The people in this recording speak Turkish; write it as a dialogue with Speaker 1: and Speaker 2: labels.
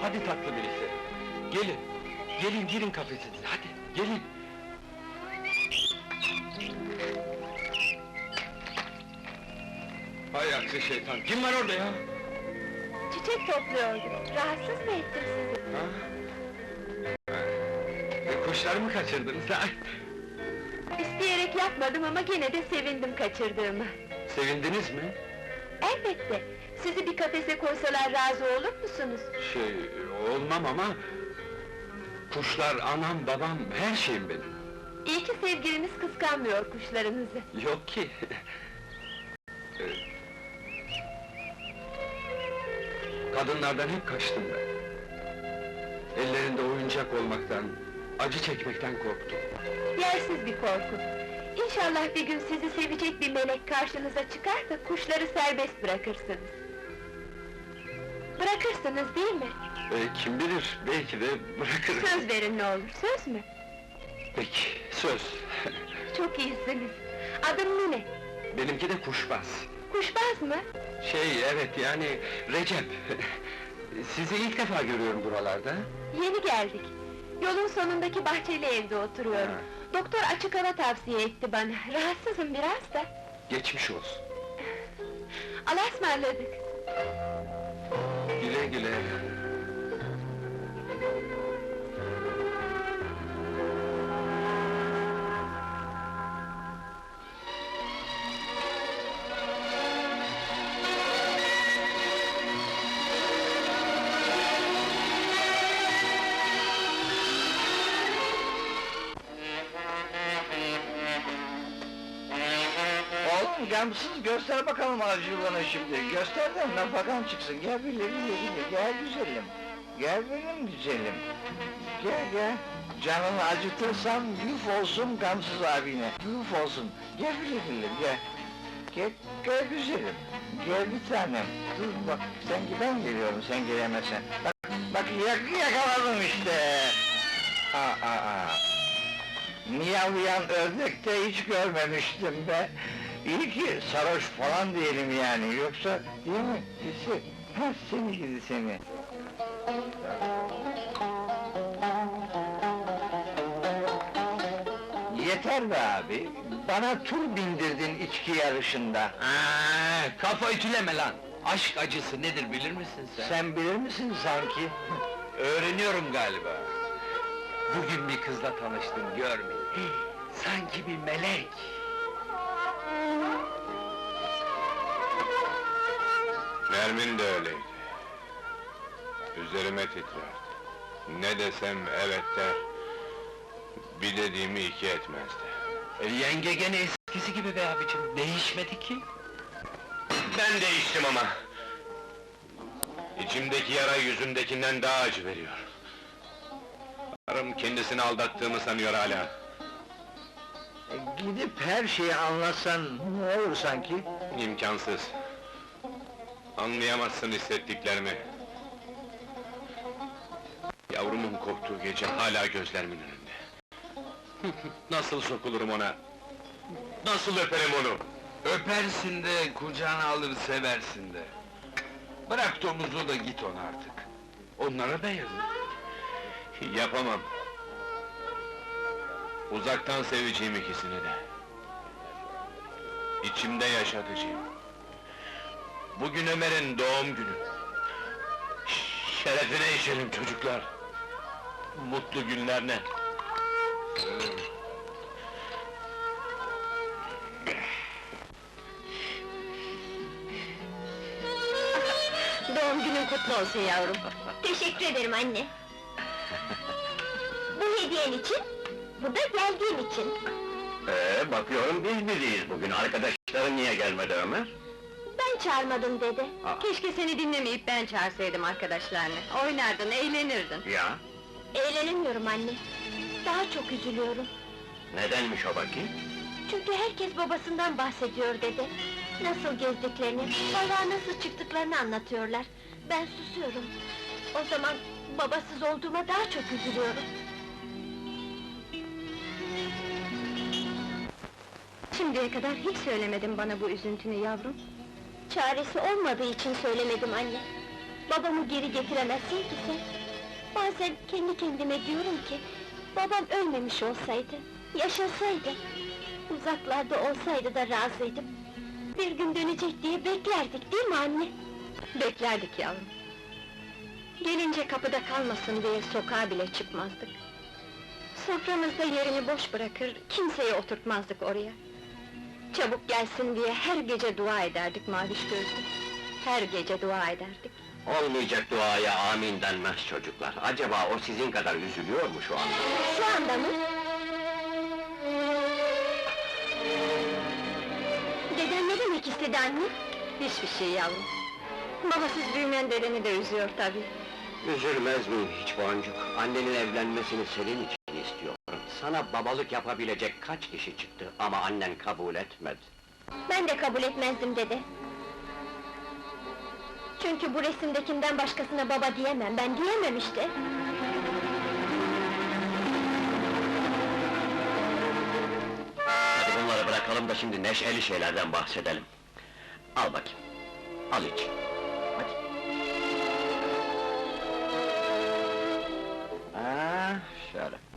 Speaker 1: hadi tatlı birisi. Gelin, gelin girin kafesinize, hadi, gelin. Hay aksi şeytan, kim var orada ya?
Speaker 2: Çiçek topluyordum. Rahatsız mı ettim sizi?
Speaker 1: Ha? Kuşlar mı kaçırdınız ha?
Speaker 2: İsteyerek yapmadım ama gene de sevindim kaçırdığımı.
Speaker 1: Sevindiniz mi?
Speaker 2: Elbette! Sizi bir kafese koysalar razı olur musunuz?
Speaker 1: Olmam ama... Kuşlar anam, babam, her şeyim benim.
Speaker 2: İyi ki sevgiliniz kıskanmıyor kuşlarınızı.
Speaker 1: Yok ki! Kadınlardan hep kaçtım ben. Ellerinde oyuncak olmaktan, acı çekmekten korktum.
Speaker 2: Yersiz bir korku. İnşallah bir gün sizi sevecek bir melek karşınıza çıkar da kuşları serbest bırakırsınız. Bırakırsınız değil mi?
Speaker 1: Kim bilir, belki de bırakırım.
Speaker 2: Söz verin ne olur, söz mü?
Speaker 1: Peki, söz.
Speaker 2: Çok iyisiniz. Adım ne?
Speaker 1: Benimki de Kuşbaz.
Speaker 2: Kuşbaz mı?
Speaker 1: Evet, yani Recep. Sizi ilk defa görüyorum buralarda.
Speaker 2: Yeni geldik. Yolun sonundaki bahçeli evde oturuyorum.
Speaker 1: Ha.
Speaker 2: Doktor açık hava tavsiye etti bana. Rahatsızım biraz da.
Speaker 1: Geçmiş olsun.
Speaker 2: Allah'a ısmarladık.
Speaker 1: Güle güle.
Speaker 3: Oğlum gamsız göster bakalım acılığını şimdi, göster de nafakan çıksın, gel bile, gel güzelim. Gel benim güzelim. Gel. Canını acıtırsam yuf olsun gamsız abine, yuf olsun. Gel bile, gel. Gel güzelim, gel bir tanem. Dur bak, ben geliyorum, sen gelemezsen. Bak yakaladım işte! Miyavlayan ördek de hiç görmemiştim be! İyi ki sarhoş falan diyelim yani, yoksa değil mi? Seni gidi seni! Yeter be abi! Bana tur bindirdin içki yarışında!
Speaker 1: Kafa ütüleme lan! Aşk acısı nedir bilir misin sen?
Speaker 3: Sen bilir misin sanki?
Speaker 1: Öğreniyorum galiba. Bugün bir kızla tanıştım, görmeyin. Sanki bir melek!
Speaker 4: Nermin de öyleydi. Üzerime titrerdi. Ne desem evet der, bir dediğimi iki etmezdi.
Speaker 1: Yenge gene eskisi gibi be abicim, değişmedi ki!
Speaker 4: Ben değiştim ama! İçimdeki yara yüzümdekinden daha acı veriyor. Karım kendisini aldattığımı sanıyor hala.
Speaker 3: Gidip her şeyi anlatsan ne olur sanki?
Speaker 4: İmkansız! Anlayamazsın hissettiklerimi. Yavrumun korktuğu gece hala gözlerimin önünde. Nasıl sokulurum ona? Nasıl öperim onu?
Speaker 1: Öpersin de, kucağına alır seversin de. Bırak domuzu da git ona artık. Onlara da yazık.
Speaker 4: Yapamam. Uzaktan seveceğim ikisini de. İçimde yaşatacağım. Bugün Ömer'in doğum günü. Şerefine içelim çocuklar. Mutlu günlerine.
Speaker 2: Doğum günün kutlu olsun yavrum.
Speaker 5: Teşekkür ederim anne. Bu hediyen için, bu da geldiğin için.
Speaker 4: Bakıyorum biz biriyiz bugün. Arkadaşların niye gelmedi Ömer?
Speaker 5: Ben çağırmadım dede.
Speaker 2: Keşke seni dinlemeyip ben çağırsaydım arkadaşlarını. Oynardın, eğlenirdin.
Speaker 4: Ya,
Speaker 5: Eğlenemiyorum anne. Daha çok üzülüyorum.
Speaker 4: nedenmiş o bakayım?
Speaker 5: Çünkü herkes babasından bahsediyor dede. Nasıl gezdiklerini, balığa nasıl çıktıklarını anlatıyorlar. Ben susuyorum. O zaman babasız olduğuma daha çok üzülüyorum.
Speaker 2: Şimdiye kadar hiç söylemedin bana bu üzüntünü yavrum.
Speaker 5: Çaresi olmadığı için söylemedim anne. Babamı geri getiremezsin ki sen. Bazen kendi kendime diyorum ki, babam ölmemiş olsaydı, yaşasaydı, uzaklarda olsaydı da razıydım. Bir gün dönecek diye beklerdik, değil mi anne?
Speaker 2: Beklerdik yavrum. Gelince kapıda kalmasın diye sokağa bile çıkmazdık. Soframızda yerini boş bırakır, kimseyi oturtmazdık oraya. Çabuk gelsin diye her gece dua ederdik Maviş gözlü. Her gece dua ederdik.
Speaker 6: Olmayacak duaya amin denmez çocuklar. Acaba o sizin kadar üzülüyor mu şu anda?
Speaker 5: Şu anda mı? Deden ne demek istedi anne?
Speaker 2: Hiçbir şey yavrum. Babasız büyümeyen dedeni de üzüyor tabii.
Speaker 6: Üzülmez miyim hiç Boncuk? Annenin evlenmesini senin için istiyorum. Sana babalık yapabilecek kaç kişi çıktı ama annen kabul etmedi.
Speaker 5: Ben de kabul etmezdim dede. Çünkü bu resimdekinden başkasına baba diyemem, ben diyemem işte.
Speaker 6: Hadi bunları bırakalım da şimdi neşeli şeylerden bahsedelim. Al bakayım. Al iç. Hadi. Şöyle.